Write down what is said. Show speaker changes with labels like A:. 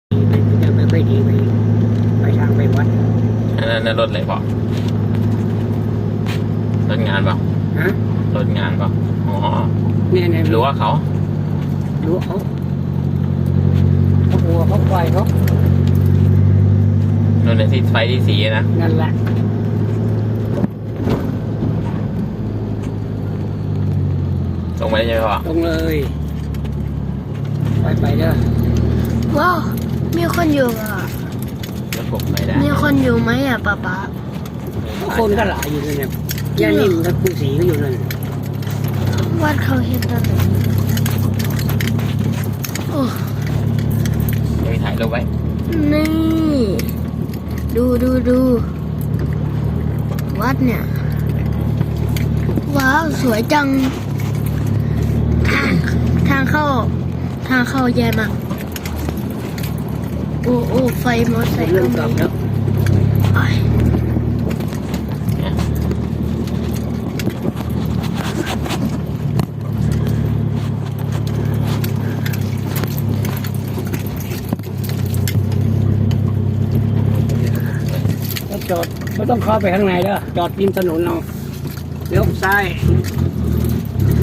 A: มันจะไม่ค่อยดีไปทางไปวัด
B: อันนั้นรถอะไรเปล่ารถงานเปล่า
A: ฮะ
B: รถงานเปล่าอ๋อ
A: เนี่ย
B: รู้ว่าเขา
A: รู้เขาหัวเขาปล่อยเขา
B: โน่นในที่ไฟที่สีนะ
A: นั่นแหละ
B: ตรงไปได้ใช่ไหมพ่อ
A: ตรงเลยไปเด้อ
C: ว้าวมีคนอยู่อ่ะ
B: แล้วผมไปได้
C: มีคนอยู่ไหมอ่ะป๊า
A: คนก็หลายอยู่เลยเนี่ยย่านิ่มกับครูศรีก็อยู่เลย
C: วัดเขาเห็นกันโอ้
B: ไปถ่ายรูปไว้
C: นี่ดูวัดเนี่ยว้าวสวยจังทางเข้าแย่มากโอ้ไฟมอเตอร์ไซค์ก็มี
A: จอดไม่ต้องเข้าไปข้างในเด้อจอดริมถนนเอาเลี้ยวซ้าย